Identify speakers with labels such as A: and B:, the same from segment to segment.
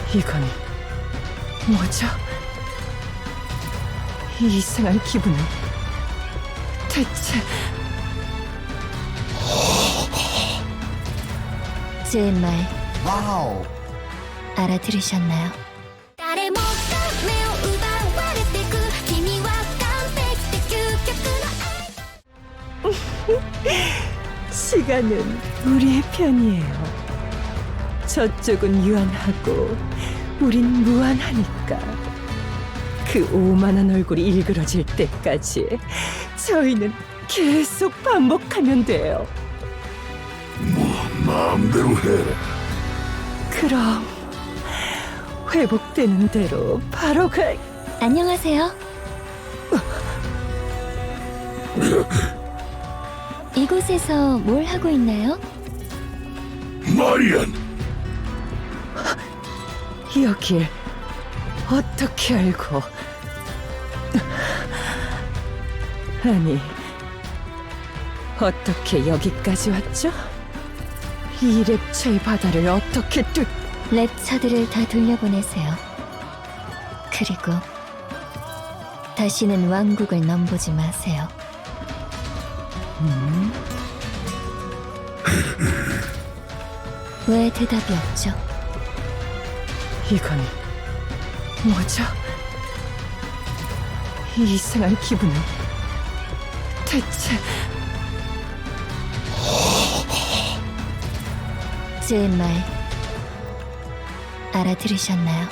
A: 이건 뭐죠? 이 이상한 기분은 대체...
B: 제 말
C: 와우.
B: 알아들으셨나요?
D: 誰もが目を奪われてく君は完璧で究極の
A: 시간은 우리의 편이에요. 저쪽은 유한하고 우린 무한하니까. 그 오만한 얼굴이 일그러질 때까지 저희는 계속 반복하면 돼요.
C: 마음대로 해라.
A: 그럼 회복되는 대로 바로
B: 안녕하세요. 이곳에서 뭘 하고 있나요?
C: 마리안,
A: 여길 어떻게 알고... 아니, 어떻게 여기까지 왔죠? 이 랩처의 바다를 어떻게
B: 랩처들을 다 돌려보내세요. 그리고 다시는 왕국을 넘보지 마세요. 왜 대답이 없죠?
A: 이건 뭐죠? 이 이상한 기분은 대체...
B: 제 말 알아들으셨나요?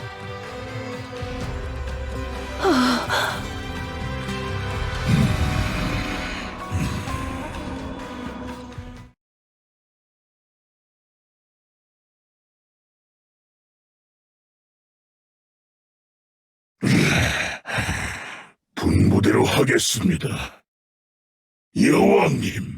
C: 분부대로 하겠습니다. 여왕님.